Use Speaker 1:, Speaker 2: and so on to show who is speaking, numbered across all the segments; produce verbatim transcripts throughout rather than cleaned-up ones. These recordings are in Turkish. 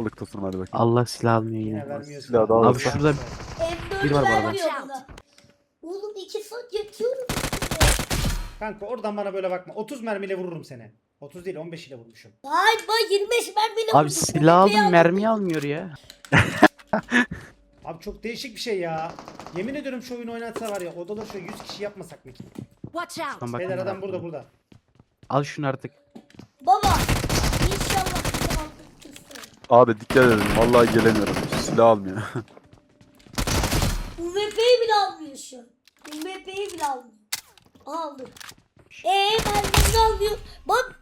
Speaker 1: Sağlık olsun, hadi bakayım.
Speaker 2: Allah silah almıyor
Speaker 3: Yine
Speaker 2: yine.
Speaker 3: vermiyor
Speaker 1: Silah
Speaker 3: silah.
Speaker 1: da
Speaker 2: Abi
Speaker 1: alırsa.
Speaker 2: şurada Bir
Speaker 4: M
Speaker 2: var
Speaker 4: dördü
Speaker 2: bu arada.
Speaker 4: vermiyor bana. Oğlum iki saat yatıyorum.
Speaker 3: Kanka oradan bana böyle bakma. otuz mermiyle vururum seni. otuz değil on beş ile vurmuşum.
Speaker 4: Hayır ben yirmi beş mermiyle
Speaker 2: abi
Speaker 4: vurdum.
Speaker 2: silah
Speaker 4: O B P'yi
Speaker 2: aldım mermi almıyor ya.
Speaker 3: Abi çok değişik bir şey ya. Yemin ediyorum şu oyunu oynatsa var ya odaları şöyle yüz kişi yapmasak mı ki?
Speaker 5: Watch out!
Speaker 2: Şuradan
Speaker 3: Beyler
Speaker 2: bakın
Speaker 3: adam
Speaker 2: bana.
Speaker 3: burada burada.
Speaker 2: Al şunu artık.
Speaker 4: Baba. İnşallah bizi aldırsın.
Speaker 1: Abi dikkat edin, vallahi gelemiyorum. Silah almıyor.
Speaker 4: U M P'yi bile almıyor şu an. U M P'yi bile almıyor. Aldı. Eee mermini almıyor. Bak.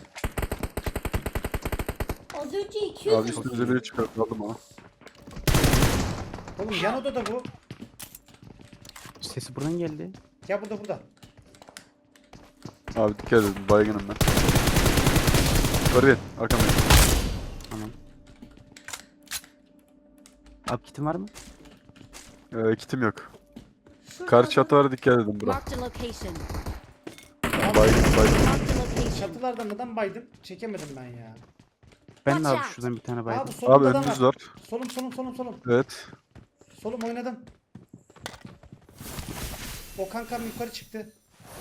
Speaker 4: Az önce iki yüz
Speaker 1: Abi üstümüze biri çıkarttı, aldım ama.
Speaker 3: Oğlum yan odada bu.
Speaker 2: Sesi buradan geldi.
Speaker 3: Ya burada burada.
Speaker 1: Abi dikkat edin, baygınım ben. Yukarı bin, arkamdayım.
Speaker 2: Tamam. Abi kitin var mı?
Speaker 1: Ee, kitim yok.
Speaker 4: Şurada
Speaker 1: Karşı
Speaker 4: adam-
Speaker 1: çatılara dikkat edin bro.
Speaker 5: Marked a location.
Speaker 1: Baygın, baygın.
Speaker 5: Marked a location.
Speaker 3: Çatılardan neden baydım? Çekemedim ben ya.
Speaker 2: Ben de abi
Speaker 5: Watch out.
Speaker 2: şuradan bir tane
Speaker 3: Abi
Speaker 2: baydım.
Speaker 3: solumda
Speaker 1: Abi
Speaker 3: da
Speaker 1: önünüz
Speaker 3: var.
Speaker 1: var.
Speaker 3: Solum solum solum solum.
Speaker 1: Evet.
Speaker 3: Solum oynadım. O kankam yukarı çıktı.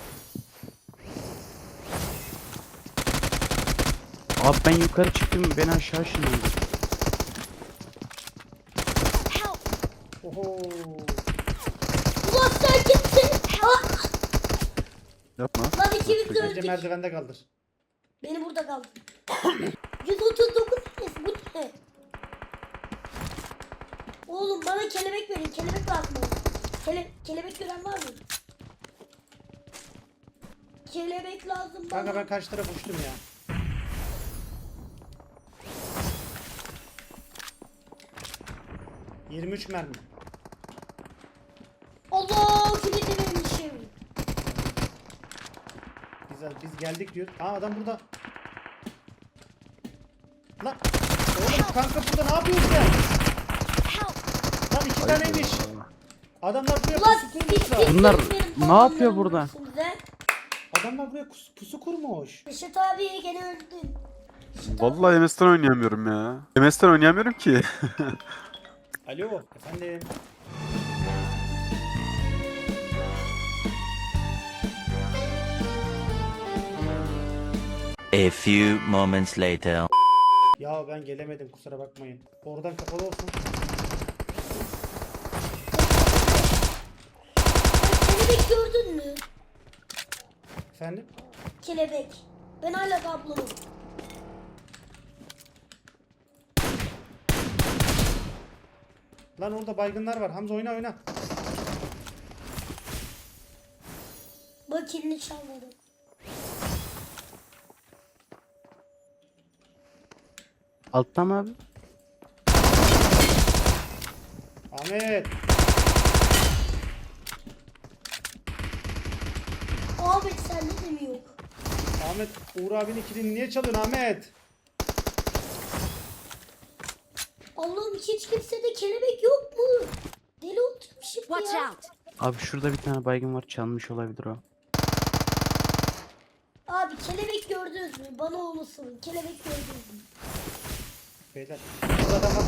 Speaker 2: Abi ben yukarı çıktım, ben aşağı ışınlandım.
Speaker 5: Help!
Speaker 3: Oho.
Speaker 4: Ulan sen kimsin? Ah!
Speaker 1: Yapma.
Speaker 4: Lan ikimiz de
Speaker 3: Bence
Speaker 4: öldük.
Speaker 3: merdivende kaldır.
Speaker 4: Beni burada kaldı. yüz otuz dokuz neyse bu ne? Oğlum bana kelebek verin. Kelebek lazım bana. Kele kelebek gören var mı? Kelebek lazım bana.
Speaker 3: Kanka ben karşı tarafa uçtum ya. yirmi üç mermi.
Speaker 4: Allah kilidi vermişim.
Speaker 3: Biz, biz geldik diyor. Aa adam burada. Lan. Oğlum kanka burada ne yapıyorsun sen?
Speaker 5: Help!
Speaker 3: Lan iki taneymiş. Adamlar buraya
Speaker 4: Ulan
Speaker 3: pusu kurmuşlar.
Speaker 4: siz
Speaker 2: Bunlar
Speaker 4: kimsiniz benim
Speaker 2: ne
Speaker 4: tabanlarımı
Speaker 2: yapıyor burada?
Speaker 4: vurursunuz he?
Speaker 3: Adamlar buraya kus- pusu kurmuş.
Speaker 4: Reşat abi gene öldün. Reşat abi.
Speaker 1: Vallahi M S'ten oynayamıyorum ya. M S'ten oynayamıyorum ki.
Speaker 3: Alo efendim.
Speaker 6: A few moments later.
Speaker 3: Ya ben gelemedim kusura bakmayın. Oradan kapalı olsun.
Speaker 4: Kelebek gördün mü?
Speaker 3: Efendim?
Speaker 4: Kelebek. Ben hala kablolum.
Speaker 3: Lan orada baygınlar var. Hamza oyna oyna.
Speaker 4: Bak kilini çalmadım.
Speaker 2: Altta mı abi?
Speaker 3: Ahmet.
Speaker 4: Ahmet sende de mi yok?
Speaker 3: Ahmet Uğur abinin kilini niye çalıyorsun Ahmet?
Speaker 4: Allah'ım hiç kimsede kelebek yok mu? Deli oturmuşum
Speaker 5: Watch
Speaker 4: ya.
Speaker 5: out!
Speaker 2: Abi şurada bir tane baygın var, çalmış olabilir o.
Speaker 4: Abi kelebek gördünüz mü? Bana onu sorun. Kelebek gördünüz mü?
Speaker 3: Beyler. Burada adam var.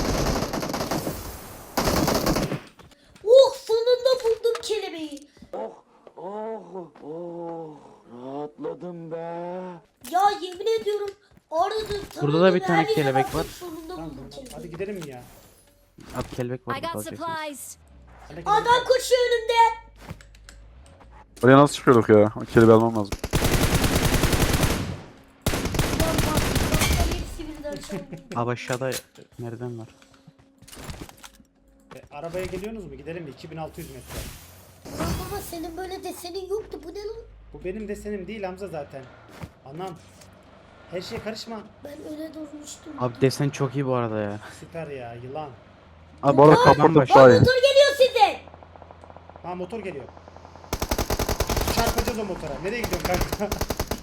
Speaker 4: Oh sonunda buldum kelebeği.
Speaker 6: Oh, oh, rahatladım be.
Speaker 4: Ya yemin ediyorum aradım.
Speaker 2: Burada da bir
Speaker 4: taradım,
Speaker 2: tane
Speaker 4: her yere
Speaker 2: kelebek
Speaker 4: baktım,
Speaker 2: var.
Speaker 4: Sonunda
Speaker 3: Tamam,
Speaker 4: buldum
Speaker 3: hadi
Speaker 4: kelebeği.
Speaker 3: gidelim mi ya?
Speaker 2: Abi kelebek var,
Speaker 5: I got
Speaker 2: alacaksınız.
Speaker 5: supplies.
Speaker 3: Hadi gidelim.
Speaker 4: Adam koşuyor önümde.
Speaker 1: Oraya nasıl çıkıyorduk ya? O kelebeği almam lazım.
Speaker 4: Lan bak, bak, hepsi birden çaldı.
Speaker 2: Abi aşağıda nereden var?
Speaker 3: E, arabaya geliyorsunuz mu? Gidelim mi? iki bin altı yüz metre.
Speaker 4: Lan baba senin böyle desenin yoktu. Bu ne lan?
Speaker 3: Bu benim desenim değil Hamza zaten. Anam. Her şeye karışma.
Speaker 4: Ben öyle durmuştum.
Speaker 2: Abi desen çok iyi bu arada ya.
Speaker 3: Süper ya yılan.
Speaker 2: Abi
Speaker 1: Bu arada
Speaker 2: kafadan
Speaker 1: kaporta
Speaker 2: baş-
Speaker 1: daha iyi.
Speaker 4: Motor geliyor size.
Speaker 3: Ha motor geliyor. Çarpacağız o motora. Nereye gidiyorsun kanka?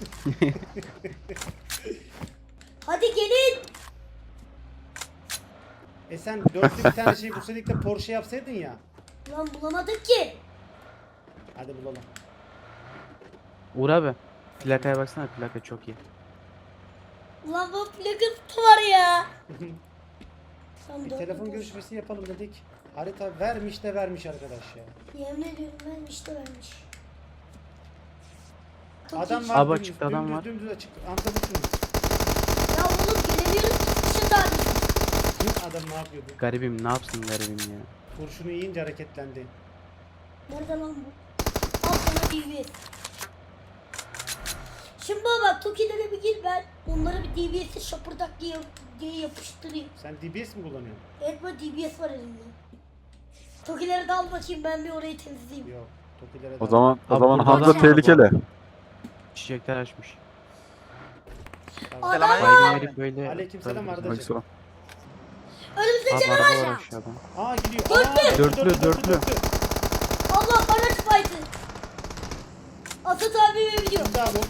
Speaker 4: Hadi gelin.
Speaker 3: E sen dörtlü bir tane şey bulsaydık da Porsche yapsaydın ya.
Speaker 4: Lan bulamadık ki.
Speaker 3: Hadi bulalım.
Speaker 2: Uğur abi. Plakaya baksana, plaka çok iyi.
Speaker 4: Lan bu plakası var ya. Tam
Speaker 3: Bir
Speaker 4: dört
Speaker 3: telefon
Speaker 4: boş.
Speaker 3: görüşmesi yapalım dedik. Harita vermiş de vermiş arkadaş ya.
Speaker 4: Yemin ediyorum vermiş de vermiş. Çok
Speaker 3: Adam
Speaker 4: iyi.
Speaker 3: var
Speaker 2: Abi
Speaker 3: dümdüz,
Speaker 2: açıkta adam
Speaker 3: dümdüz,
Speaker 2: var.
Speaker 3: Dümdüz açık. Amca mısınız?
Speaker 4: Ya oğlum gelemiyoruz ki Kuşat abi.
Speaker 3: Adam ne yapıyordu?
Speaker 2: Garibim ne yapsın garibim ya.
Speaker 3: Kurşunu yiyince hareketlendi.
Speaker 4: Nerede lan bu? Al sana D B S. Şimdi baba bak Toki'lere bir gir ben. Onlara bir D B S'i şapırdak diye, diye yapıştırayım.
Speaker 3: Sen D B S mi kullanıyorsun?
Speaker 4: Evet böyle D B S var elimde. Toki'lere de al bakayım ben bir orayı temizleyeyim.
Speaker 3: Yok. Tokilere
Speaker 1: O
Speaker 3: de-
Speaker 1: zaman o
Speaker 2: Abi
Speaker 1: zaman
Speaker 2: burada
Speaker 1: Hamza
Speaker 2: adam var bu
Speaker 1: tehlikeli.
Speaker 2: arada. Çiçekler açmış.
Speaker 3: Tamam.
Speaker 4: Adam var.
Speaker 2: Baygın verip böyle...
Speaker 3: Aleykümselam
Speaker 2: Tabii,
Speaker 3: Ardacığım.
Speaker 1: Aleykümselam.
Speaker 4: Önümüzde
Speaker 2: Abi
Speaker 4: canavar.
Speaker 2: araba var aşağıda.
Speaker 3: Aa gidiyor.
Speaker 4: Dörtlü.
Speaker 3: Aa,
Speaker 2: Dörtlü, dörtlü.
Speaker 4: Allah araç fight'ı. Asat abi biliyor.
Speaker 3: Şimdi abi.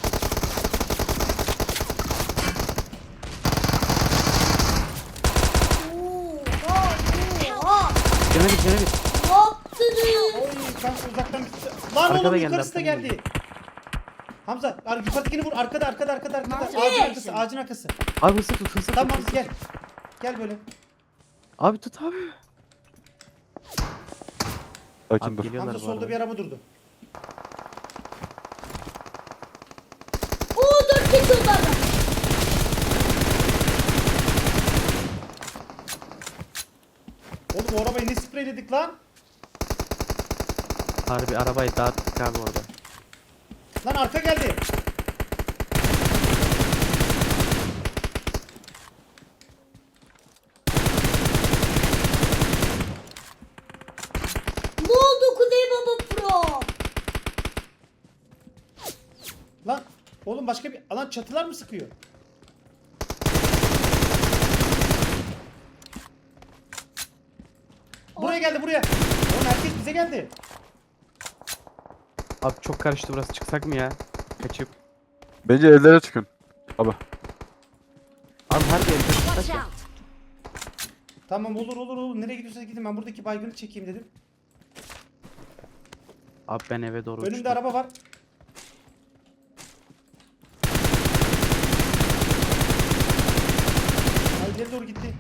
Speaker 4: Oha oha.
Speaker 2: Cana git cana git.
Speaker 4: Ne yaptınız?
Speaker 3: Oy kanka uzaktan bir... Lan
Speaker 2: Arkada
Speaker 3: oğlum
Speaker 2: geldi,
Speaker 3: yukarısı da
Speaker 2: arkada
Speaker 3: geldi. Hamza ar- yukarıdakini vur. Arkada arkada arkada arkada.
Speaker 5: Mark
Speaker 3: Ağacın
Speaker 5: the
Speaker 3: arkası ağacın arkası.
Speaker 2: Abi hızlı tut hızlı tut.
Speaker 3: Tamam
Speaker 2: hızlı
Speaker 3: gel.
Speaker 2: tut.
Speaker 3: Gel böyle.
Speaker 2: Abi tut abi.
Speaker 1: Sakin
Speaker 2: Abi
Speaker 1: dur.
Speaker 2: geliyorlar
Speaker 3: Hamza
Speaker 2: bu
Speaker 3: solda
Speaker 2: arada.
Speaker 3: bir araba durdu.
Speaker 4: Oo dört kez oldu adam.
Speaker 3: Oğlum o arabayı ne spreyledik lan?
Speaker 2: Harbi arabayı dağıttık abi orada.
Speaker 3: Lan arka geldi.
Speaker 4: Ne oldu Kuzey Baba Pro?
Speaker 3: Lan oğlum başka bir... Lan çatılar mı sıkıyor? Buraya geldi buraya. Oğlum herkes bize geldi.
Speaker 2: Abi çok karıştı burası çıksak mı ya? Kaçıp.
Speaker 1: Bence evlere çıkın. Abi.
Speaker 2: Abi harbi evde
Speaker 5: Watch
Speaker 2: çıksak ya.
Speaker 5: out!
Speaker 3: Tamam olur olur olur. Nereye gidiyorsanız gidin. Ben buradaki baygını çekeyim dedim.
Speaker 2: Abi ben eve doğru
Speaker 3: Önümde
Speaker 2: uçtum.
Speaker 3: araba var. Ha, ileri doğru gitti.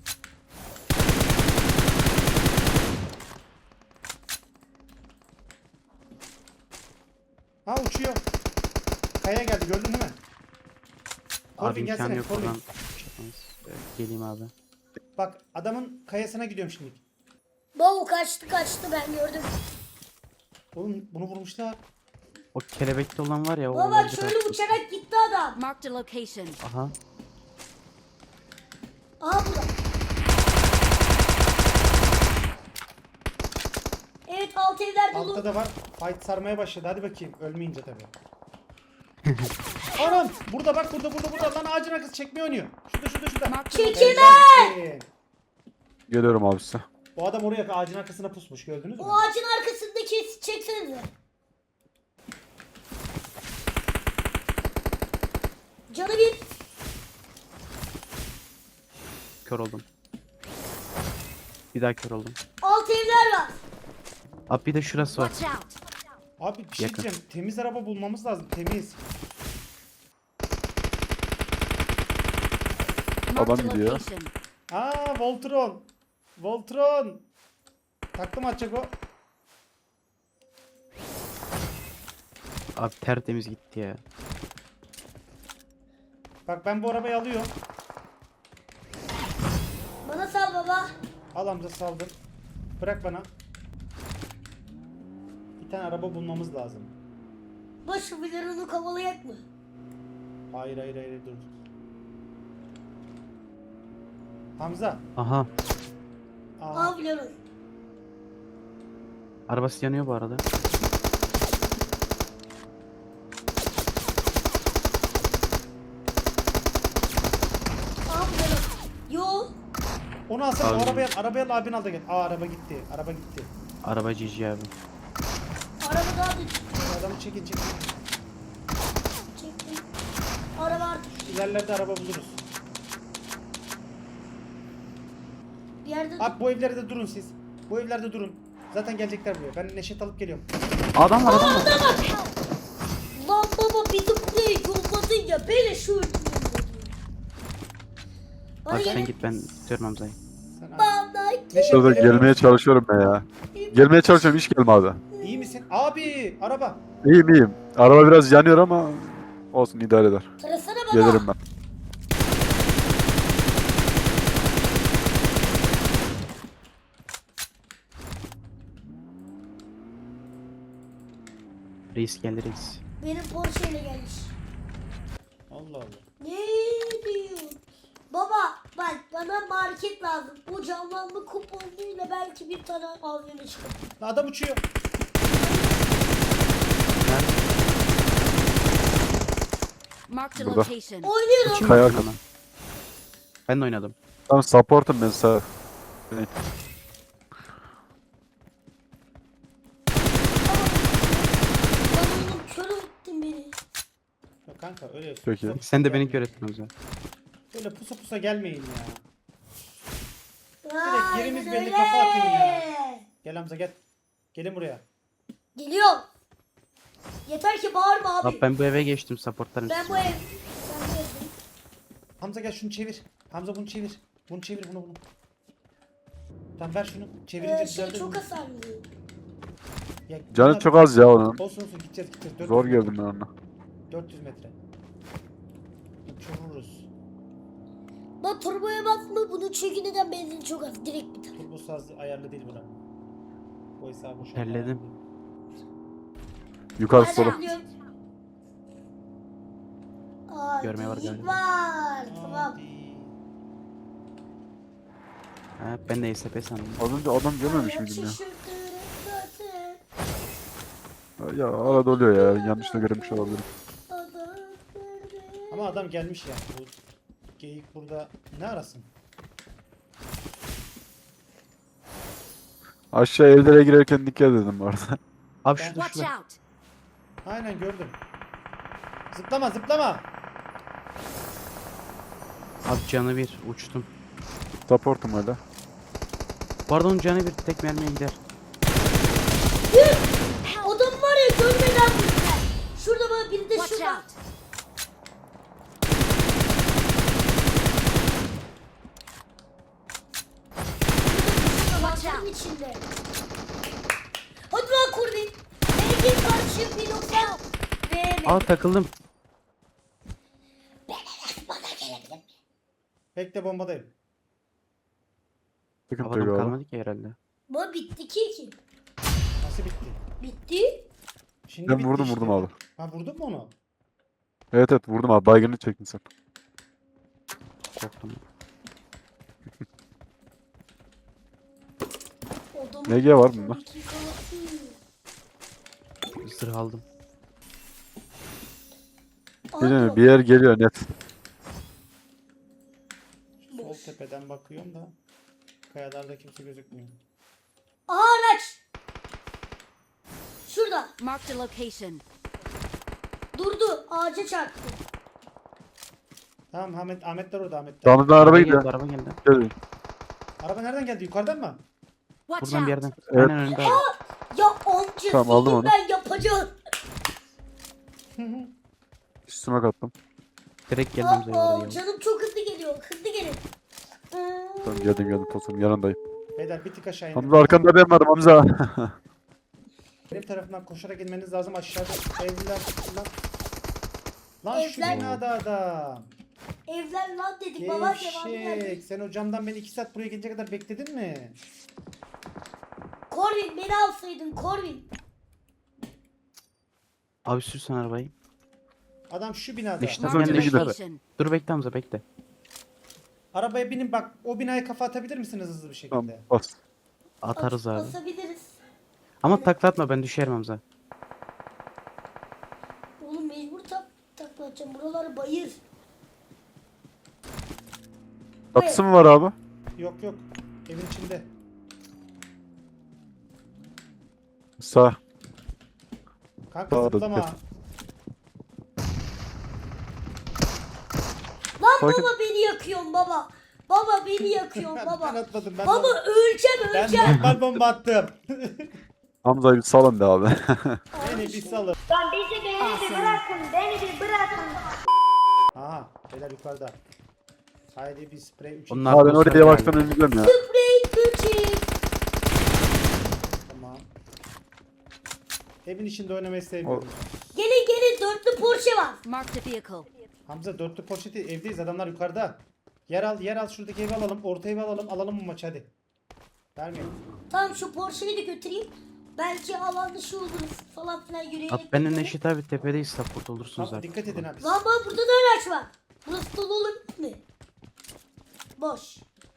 Speaker 3: Ha uçuyor. Kaya geldi gördün değil mi?
Speaker 2: Abi
Speaker 3: Corbin
Speaker 2: imkanı
Speaker 3: gelsene
Speaker 2: yok
Speaker 3: Corbin.
Speaker 2: buradan. Çıkmamız. Evet, geleyim abi.
Speaker 3: Bak adamın kayasına gidiyorum şimdi.
Speaker 4: Baba kaçtı kaçtı ben gördüm.
Speaker 3: Oğlum bunu vurmuşlar.
Speaker 2: O kelebekli olan var ya o
Speaker 4: Baba bak
Speaker 2: olabilir
Speaker 4: şöyle
Speaker 2: aslında.
Speaker 4: uçarak gitti adam.
Speaker 5: Marked a location.
Speaker 2: Aha.
Speaker 4: Aha burada. Evet alt evler dolu.
Speaker 3: Altta da var. Fight sarmaya başladı. Hadi bakayım. Ölmeyince tabii. Anam! Burada bak burada burada burada. Lan ağacın arkası çekmeyi oynuyor. Şurada şurada şurada.
Speaker 5: Marked a
Speaker 4: Çekil
Speaker 5: location.
Speaker 3: Evet.
Speaker 1: Geliyorum abi size.
Speaker 3: O adam oraya ağacın arkasına pusmuş gördünüz mü?
Speaker 4: O ağacın arkasındaki çeksenize. Canı bir.
Speaker 2: Kör oldum. Bir daha kör oldum.
Speaker 4: Alt evler var.
Speaker 2: Abi bir de şurası var.
Speaker 5: Watch out!
Speaker 3: Abi bir şey
Speaker 2: Yakın.
Speaker 3: diyeceğim. Temiz araba bulmamız lazım. Temiz.
Speaker 5: Marked a
Speaker 1: Adam gidiyor.
Speaker 5: location.
Speaker 3: Aa Voltron. Voltron. Taktım atacak o.
Speaker 2: Abi tertemiz gitti ya.
Speaker 3: Bak ben bu arabayı alıyorum.
Speaker 4: Bana sal baba.
Speaker 3: Al Hamza saldır. Bırak bana. Bir tane araba bulmamız lazım.
Speaker 4: Başı bilir onu kovalayak mı?
Speaker 3: Hayır hayır hayır dur. Hamza.
Speaker 2: Aha.
Speaker 3: Aa,
Speaker 4: Aa biliyorum.
Speaker 2: Arabası yanıyor bu arada.
Speaker 4: Aa biliyorum. Yo.
Speaker 3: onu alsana. O
Speaker 2: Abi.
Speaker 3: arabaya al. Arabaya al abin al da gel. Aa araba gitti. Araba gitti.
Speaker 2: Araba cici abi.
Speaker 4: Araba daha da
Speaker 3: Bu adamı çekin çekin.
Speaker 4: çektim. Araba artık
Speaker 3: İlerlerde araba buluruz.
Speaker 4: bir yerde.
Speaker 3: Abi bu evlerde durun siz. Bu evlerde durun. Zaten gelecekler buraya. Ben Neşet alıp geliyorum.
Speaker 2: Adam var adam var.
Speaker 4: Lan baba bizi buraya yolladın ya. Böyle şu öldürüyorum. Bana
Speaker 2: Abi sen
Speaker 4: gelin.
Speaker 2: git ben tutuyorum Hamza'yı.
Speaker 3: Sen Neşet,
Speaker 1: Şurada
Speaker 3: telefonu-
Speaker 1: gelmeye çalışıyorum ben ya. Gelmeye çalışıyorum hiç gelmedi.
Speaker 3: İyi misin? Abi araba.
Speaker 1: İyiyim iyiyim. Araba biraz yanıyor ama olsun idare eder.
Speaker 4: Tarasana baba.
Speaker 1: Gelirim ben.
Speaker 2: Reis geldi reis.
Speaker 4: Benim Porsche ile gelmiş.
Speaker 3: Allah Allah.
Speaker 4: Ne diyor? Baba bak bana market lazım. O canlanma kuponuyla belki bir tane A V M çıkar.
Speaker 3: Adam uçuyor.
Speaker 5: Marked a
Speaker 1: Burada.
Speaker 5: location.
Speaker 4: Oynuyorum.
Speaker 2: Kim
Speaker 1: Kaya
Speaker 2: baktı
Speaker 1: arkada.
Speaker 2: bana? Ben de oynadım.
Speaker 1: Tamam support'um ben sağ.
Speaker 4: Bana oğlum kör ettin beni.
Speaker 3: Ya kanka öyle.
Speaker 1: Peki.
Speaker 3: pusa pusa
Speaker 2: Sen de beni
Speaker 3: gelmeyin.
Speaker 2: kör ettin Hamza.
Speaker 3: Böyle pusa pusa gelmeyin ya.
Speaker 4: Aynen
Speaker 3: yerimiz belli,
Speaker 4: öyle.
Speaker 3: kafa atın ya. Gel Hamza gel. Gelin buraya.
Speaker 4: Geliyorum. Yeter ki bağırma abi.
Speaker 2: Abi ben bu eve geçtim supportlarım.
Speaker 4: Ben bu ev. Ben bu evdeyim.
Speaker 3: Hamza gel şunu çevir. Hamza bunu çevir. Bunu çevir bunu bunu. Tamam ver şunu. Çevirince
Speaker 4: Ee, şey
Speaker 3: düzeldir
Speaker 4: çok
Speaker 3: bunu.
Speaker 4: hasarlı.
Speaker 3: Ya,
Speaker 1: Canı
Speaker 3: bunlar-
Speaker 1: çok az ya onun.
Speaker 3: Olsun olsun gideceğiz gideceğiz. dört yüz
Speaker 1: Zor
Speaker 3: metre.
Speaker 1: geldim ben onunla.
Speaker 3: dört yüz metre. Uçururuz.
Speaker 4: Bak turboya basma bunun çünkü neden benzin çok az. Direkt biter.
Speaker 3: Turbo saz ayarlı değil buna. O hesabı şu an
Speaker 2: Terledim.
Speaker 3: ayarlı değil.
Speaker 1: Yukarı
Speaker 4: Hadi
Speaker 1: sola.
Speaker 4: gidiyorum. Aa,
Speaker 2: Görmeye var
Speaker 4: geyik
Speaker 2: galiba.
Speaker 4: var. Tamam.
Speaker 3: Hadi.
Speaker 2: Ha, ben de S P sandım.
Speaker 1: Az önce adam görmemiş
Speaker 4: Hayat
Speaker 1: miydim ya?
Speaker 4: şaşırtırım zaten.
Speaker 1: Ya arada oluyor ya. Yanlışla görmüş olabilirim.
Speaker 4: Adam nerede?
Speaker 3: Ama adam gelmiş yani. Bu geyik burada ne arasın?
Speaker 1: Aşağı evlere girerken dikkat edin bu arada.
Speaker 2: Abi
Speaker 3: Ben-
Speaker 2: şurada
Speaker 5: Watch
Speaker 2: şurada.
Speaker 5: out.
Speaker 3: Aynen gördüm. Zıplama zıplama.
Speaker 2: Abi canı bir uçtum.
Speaker 1: Support'um hala.
Speaker 2: Bu arada onun canı bir tek mermiye gider.
Speaker 4: Adam var ya görmeden vurdular. Şurada bana biri de
Speaker 5: Watch
Speaker 4: şurada.
Speaker 5: out. Watch
Speaker 4: Şunun
Speaker 5: out.
Speaker 4: içinde. Hadi lan Kurvin. Belki karşı pilotlar. Ve
Speaker 2: Aa takıldım.
Speaker 4: bana gelebilir.
Speaker 3: Bekle bombadayım.
Speaker 1: Sıkıntı
Speaker 2: Havadan
Speaker 1: yok abi.
Speaker 2: kalmadı ki herhalde.
Speaker 4: Bu bitti ki ki.
Speaker 3: Nasıl bitti?
Speaker 4: Bitti.
Speaker 3: Şimdi
Speaker 1: Ben
Speaker 3: bitti
Speaker 1: vurdum
Speaker 3: işte.
Speaker 1: vurdum abi.
Speaker 3: Ha vurdun mu onu?
Speaker 1: Evet evet vurdum abi. Baygını çektin sen.
Speaker 2: Korktum.
Speaker 4: Adamın
Speaker 1: M G var bunda.
Speaker 4: iki kanatı.
Speaker 2: Zırh aldım.
Speaker 4: Aa,
Speaker 1: Değil mi?
Speaker 4: drop.
Speaker 1: Bir yer geliyor net.
Speaker 3: Şu sol tepeden bakıyorum da kayalarda kimse gözükmüyor.
Speaker 4: Aha araç. Şurada.
Speaker 5: Marked a location.
Speaker 4: Durdu. Ağaca çarptı.
Speaker 3: Tamam Ahmet Ahmetler orada Ahmetler.
Speaker 1: Sağımızdan araba
Speaker 2: Araba
Speaker 1: gidiyor.
Speaker 2: geldi, araba geldi.
Speaker 1: Gelin.
Speaker 3: Araba nereden geldi? Yukarıdan mı?
Speaker 5: Watch
Speaker 2: Buradan bir
Speaker 5: out.
Speaker 2: yerden.
Speaker 1: Evet.
Speaker 2: Aynen önünde abi.
Speaker 4: Ya amca
Speaker 1: Tamam, aldım onu.
Speaker 4: ben yapacağım.
Speaker 1: Üstüme kattım.
Speaker 2: Direkt geldi Hamza'ya
Speaker 4: Aa,
Speaker 2: oraya.
Speaker 4: canım çok hızlı geliyor. Hızlı gelin. Hmm.
Speaker 1: Tamam geldim geldim tosunum yanındayım.
Speaker 3: Beyler bir tık aşağı indim.
Speaker 1: Hamza arkanda ben varım Hamza.
Speaker 3: Benim tarafından koşarak inmeniz lazım aşağıda evler lan. Lan şu
Speaker 4: Evler-
Speaker 3: binada adam.
Speaker 4: Evler lan dedik baba devamı
Speaker 3: Gevşek.
Speaker 4: geldi.
Speaker 3: Sen o camdan beni iki saat buraya gelince kadar bekledin mi?
Speaker 4: Corvin beni alsaydın Corvin.
Speaker 2: Abi sürsen arabayı.
Speaker 3: Adam şu binada.
Speaker 2: İşte
Speaker 1: Tamam,
Speaker 5: Marked a
Speaker 1: ne gider?
Speaker 5: location.
Speaker 2: Dur bekle Hamza bekle.
Speaker 3: Arabaya binin bak o binaya kafa atabilir misiniz hızlı bir şekilde?
Speaker 1: Tamam bas.
Speaker 2: Atarız
Speaker 4: Bas-
Speaker 2: abi.
Speaker 4: Basabiliriz.
Speaker 2: Ama taklatma ben düşerim Hamza.
Speaker 4: Oğlum mecbur tak taklatacağım. Buraları bayır.
Speaker 1: Çatısı mı var abi?
Speaker 3: Yok yok. Evin içinde.
Speaker 1: Sağ.
Speaker 3: Kanka
Speaker 1: Sağda
Speaker 3: zıplama.
Speaker 1: dikkat.
Speaker 4: Lan
Speaker 1: Sakin.
Speaker 4: baba beni yakıyorsun baba. Baba beni yakıyorsun
Speaker 3: ben
Speaker 4: baba.
Speaker 3: atladım. Ben,
Speaker 4: Baba öleceğim
Speaker 3: ben
Speaker 4: öleceğim.
Speaker 3: normal bomba attım.
Speaker 1: Hamza'yı bir salın be abi.
Speaker 3: Beni bir salın.
Speaker 4: Lan bizi beni bir bırakın. Beni bir bırakın.
Speaker 3: Aha. Beyler yukarıda. Haydi bir sprey üç.
Speaker 2: Onlar
Speaker 1: Abi ben
Speaker 2: dostlar
Speaker 1: oraya yavaştan
Speaker 2: galiba.
Speaker 1: ineceğim ya.
Speaker 4: Sprey küçük.
Speaker 3: Tamam. Evin içinde oynamayı sevmiyorum.
Speaker 4: Gelin gelin dörtlü Porsche var.
Speaker 5: Marked a vehicle.
Speaker 3: Hamza dörtlü poşeti evdeyiz, adamlar yukarıda. Yer al, yer al, şuradaki evi alalım, orta evi alalım, alalım bu maçı hadi. Vermeyin.
Speaker 4: Tamam şu Porsche'yi de götüreyim. Belki alan dışı oluruz falan filan yürüyerek.
Speaker 2: Abi benle
Speaker 4: gidelim.
Speaker 2: Neşet abi tepedeyiz, support olursunuz
Speaker 3: Tamam,
Speaker 2: abi.
Speaker 3: dikkat edin abi.
Speaker 4: Lan bak burada da araç var. Burası dolu olabilir mi? Boş.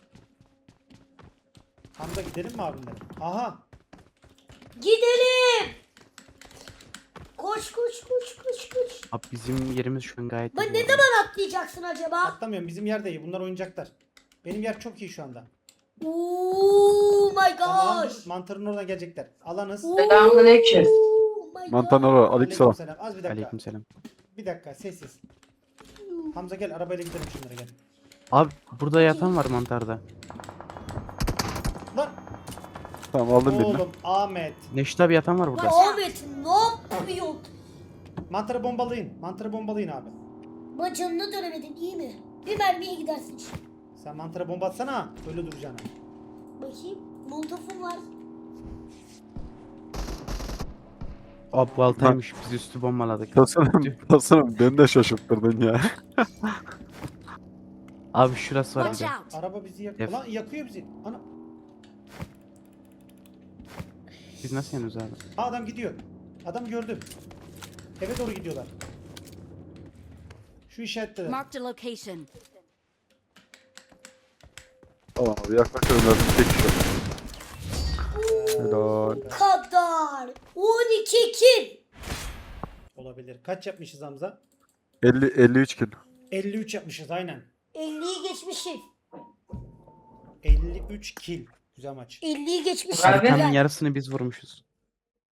Speaker 3: Hamza gidelim mi abimle? Aha.
Speaker 4: Gidelim. Koş koş koş koş koş.
Speaker 2: Abi bizim yerimiz şu an gayet
Speaker 4: Ben
Speaker 2: iyi bu
Speaker 4: ne
Speaker 2: arada.
Speaker 4: zaman atlayacaksın acaba?
Speaker 3: Atlamıyorum, bizim yer de iyi, bunlar oyuncaklar. Benim yer çok iyi şu anda.
Speaker 4: Oh my
Speaker 3: Tamam,
Speaker 4: gosh.
Speaker 3: mantarın oradan gelecekler. Alanız.
Speaker 7: Selamünaleyküm.
Speaker 4: Oh my
Speaker 1: Mantan
Speaker 4: god.
Speaker 1: ora. Aleykümselam.
Speaker 3: Aleykümselam. Az bir dakika.
Speaker 2: Aleykümselam.
Speaker 3: Bir dakika, sessiz. Hamza gel, arabayla gidelim şunlara gel.
Speaker 2: Abi burada yatan var mantarda.
Speaker 3: Lan
Speaker 1: Tamam aldım birini.
Speaker 3: oğlum Ahmet.
Speaker 2: Neşet abi yatan var burada.
Speaker 4: Lan Ahmet ne yapıyorsun?
Speaker 3: Mantarı bombalayın. Mantarı bombalayın abi.
Speaker 4: Bak canını dönemedin iyi mi? Bir mermiye gidersin şimdi.
Speaker 3: Sen mantarı bomba atsana. Öyle duracaksın.
Speaker 4: Bakayım. Molotofum var.
Speaker 2: Abi baltaymış, biz üstü bombaladık.
Speaker 1: Tasarım, tasarım beni de şaşırttırdın ya.
Speaker 2: Abi şurası var bir
Speaker 5: Watch
Speaker 2: de.
Speaker 5: out.
Speaker 3: Araba bizi yakıyor.
Speaker 2: Def-
Speaker 3: Lan yakıyor bizi. Ana.
Speaker 2: Biz nasıl yanıyoruz abi?
Speaker 3: Ha, adam gidiyor. Adam gördüm. Eve doğru gidiyorlar. Şu işaretteler.
Speaker 5: Marked a location.
Speaker 1: Tamam abi yaklaşıyorum lazım. Tek kişi. Helal.
Speaker 4: Kadar. on iki kill.
Speaker 3: Olabilir. Kaç yapmışız Hamza?
Speaker 1: elli, elli üç kill.
Speaker 3: elli üç yapmışız aynen.
Speaker 4: elliyi geçmişim.
Speaker 3: elli üç kill. Güzel maç.
Speaker 4: elliyi geçmişim.
Speaker 7: Abi.
Speaker 2: Haritanın
Speaker 4: Güzel.
Speaker 2: yarısını biz vurmuşuz.